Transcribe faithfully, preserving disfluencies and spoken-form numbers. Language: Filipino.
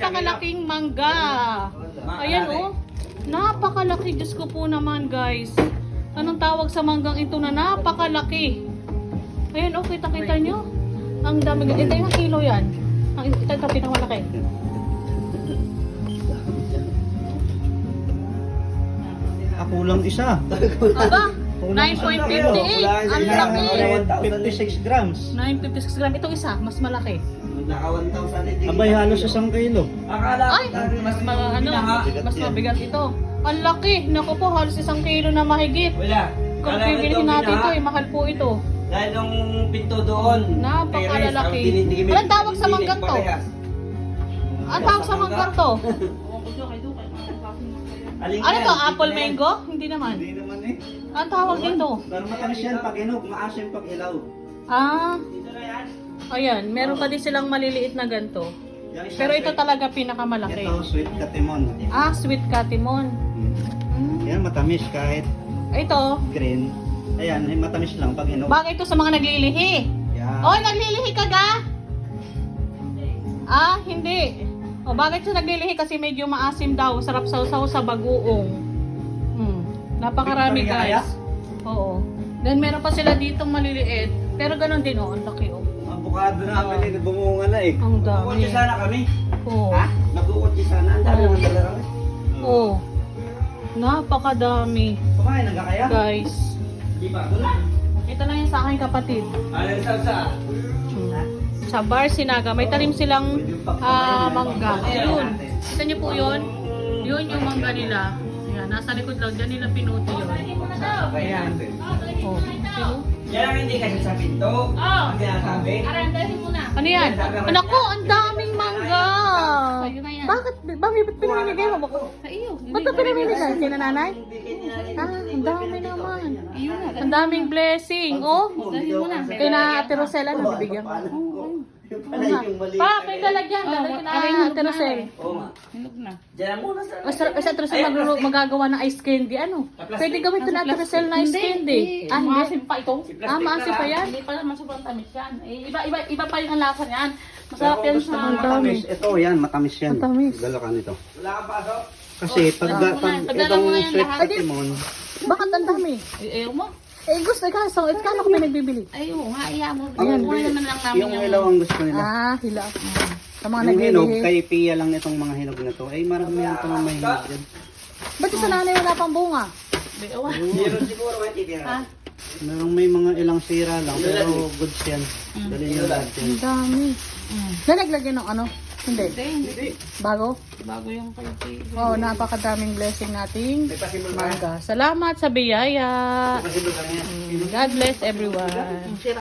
napakalaking mangga. Ayan oh. Napakalaki. Diyos ko po naman guys. Anong tawag sa manggang ito na napakalaki? Ayan oh, kita-kita nyo. Ang dami. Ito yung kilo yan. Ang ito ito pinakamalaki. Ako lang isa. Aba, nine point five eight. Ang laki. fifty-six grams. nine fifty-six gram. Itong isa, mas malaki. Naka one thousand. Abay, halos isang kilo. Akala Ay, mas ma- ano, mas mabigat ito. Ang laki. Naku po, halos isang kilo na mahigit. Wala. Kung Kala bibilihin ito, natin ito, binaha. eh, mahal po ito. Dahil nung pinto doon. Napakalalaki. Anong tawag sa manggang to? Ang tawag sa manggang to? Ano to, apple mango? Hindi naman. Hindi naman eh. Ang tawag dito? Pero matamis yan pag inog, maasim pag ilaw. Ah, ayan. Meron pa din silang maliliit na ganito. Yung isa Pero ito sweet- talaga pinakamalaki. Ito, sweet katimon. Ah, sweet katimon. Hmm. Yan, matamis kahit Ito, green. Ayan, eh, matamis lang pag inog. bagay ito sa mga naglilihi. Yan. Oy, naglilihi ka ga? Ah, hindi. O, bakit siya naglilihi? Kasi medyo maasim daw. Sarap sausaw sa bagoong. Hmm. Napakarami Victoria? guys. Oo. Then meron pa sila ditong maliliit. Pero ganun din oh, ang laki oh. Ang bukado namin eh, bumunga na eh. Ang Nagkukotsi dami. sana kami. Oo. Ha? Nagkukotsi sana. Ang dami naman talaga kami. Oo. Napakadami Kumain na kaya? guys. Di ba? Wala. Ito lang yung sa aking kapatid. Ano yung salsa? Sa Bar Sinaga, may tanim silang ah, mangga. Yun. Kita niyo po yun? Yun yung mangga nila. Ayan, nasa likod lang. Diyan nila pinuti yun. Ayan. Oh. Sino? Yan ang hindi kasi sa pinto. Ang sinasabi. Ano yan? Anak ko, ang daming mangga. Bakit? Bakit pinamimigay mo? Sa iyo. Ba't ka pinamimigay? Sino nanay? Ah, ang dami naman. Ang daming blessing. Oh, kaya na Ate Rosella na bibigyan ko. Yung pala yung mali. Pa, may lalagyan. Lalagyan na Ate Rosella. Oo nga. Diyan muna sa... O sa, sa Ate Rosella maglulu- magagawa ng ice candy. Ano? Pwede gawin ito na Ate Rosella na ice candy. Ah, hindi. Maasim pa ito. Ah, maasim pa yan. Hindi pa naman sobrang tamis yan. Eh, iba, iba, iba pa yung lasa niyan. Masarap yan Gusto sa... mo matamis. Ito, yan, matamis yan. Matamis. Dala ka nito. Wala kang pasok? Kasi pag, Padala mo pag na- padala itong mo na yan sweet lahat. katimon, Bakit ang dami? Eh, ayaw mo. Eh, gusto ka. So, eh, kano ko pinagbibili? Ayaw nga, ayaw mo. Ang- Kuha naman lang namin yung ilaw ang gusto nila. Ah, hila. Sa mga Yung hinog, naglilihi. kay Pia lang itong mga hinog na to. Ay, marami yan itong mga hinog dyan. Ba't yung sa nanay wala pang bunga? Meron siguro may titira. Ha? Merong may mga ilang sira lang, pero goods yan. Dali nyo lahat yan. Ang dami. Nalaglagyan ng ano? Hindi. Hindi. Bago? Bago yung kay Oo, oh, napakadaming blessing nating May pasimol ka. mangga. Salamat sa biyaya. Pasimol ka niya. God bless everyone.